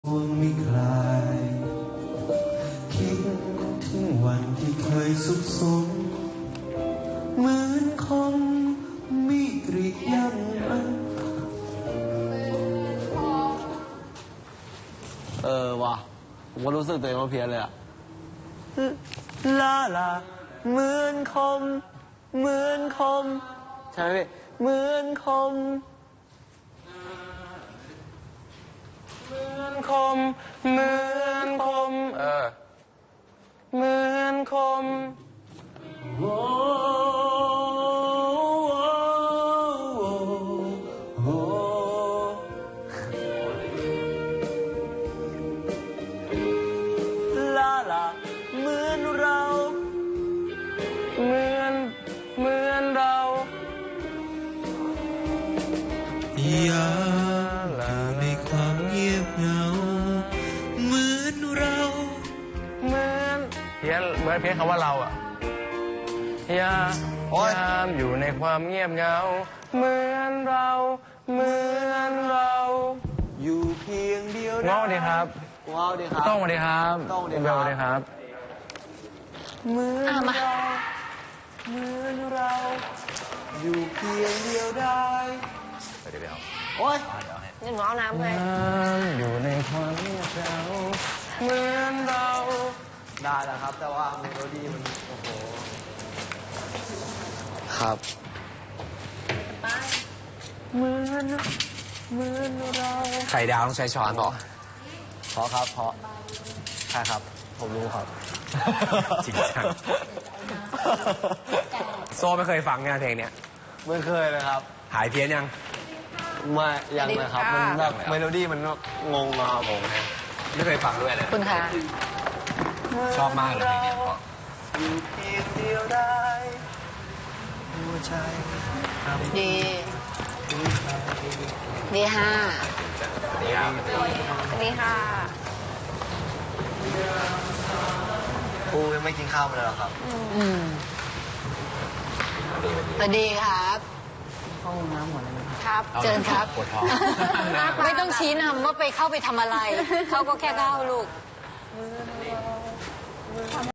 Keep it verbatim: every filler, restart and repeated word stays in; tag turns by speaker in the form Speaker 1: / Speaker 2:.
Speaker 1: ห่วงไม่คลายคิดถึงวันที่เคยสุขสมเหมือนคมมีกรีดยันเออว่ะผมก็รู้สึกตัวเองว่าเพี้ยนเลยอะลาลาเหมือนคมเหมือนคมใช่ไหมพี่เหมือนคมเหมือนคมเหมือนคมเออเหมือนคมโอ้โอ้ลาลาเหมือนเราเหมือนเหมือนเราอยากอยู่ในความเงียบเหงาเหมือนเราเหมือนเพี้ยนเหมือนเพี้ยนคำว่าเราอะอยากยามอยู่ในความเงียบเหงาเหมือนเราเหมือนเราอยู่เพียงเดียวง้อดีครับง้อดีครับต้องมาดีครับต้องดีครับดีครับเหมือนเราเหมือนเราอยู่เพียงเดียวได้เดี๋ยวเดี๋ยวโอ๊ยนี่หนูเอาน้ำเลยอยู่ในความเงียบเหงาเหมือนเราได้แล้วครับแต่ว่าเมโลดี้มันโอ้โหครับเหมือนเหมือนเราไข่ดาวต้องใช้ช้อนต่อเพราะครับเพราะใช่ครับผมรู้ครับจริงจังโซ่ไม่เคยฟังงานเพลงเนี้ยไม่เคยเลยครับหายเพี้ยนยังไม่ยังเลยครับมันแบบเมโลดี้มันงงมาครับผมไม่เคยฟังด้วยเลยคุณคะชอบมากเลยเพลงนี้เพราะอยู่เพียงเดียวได้หัวใจดีดีห้าดีครับดีค่ะปูยังไม่กินข้าวมาเลยหรอครับอืมสวัสดีครับเข้าห้องน้ำหมดเลยครับเชิญครับปวดท้องไม่ต้องชี้นำว่าไปเข้าไปทำอะไรเขาก็แค่เข้าลูก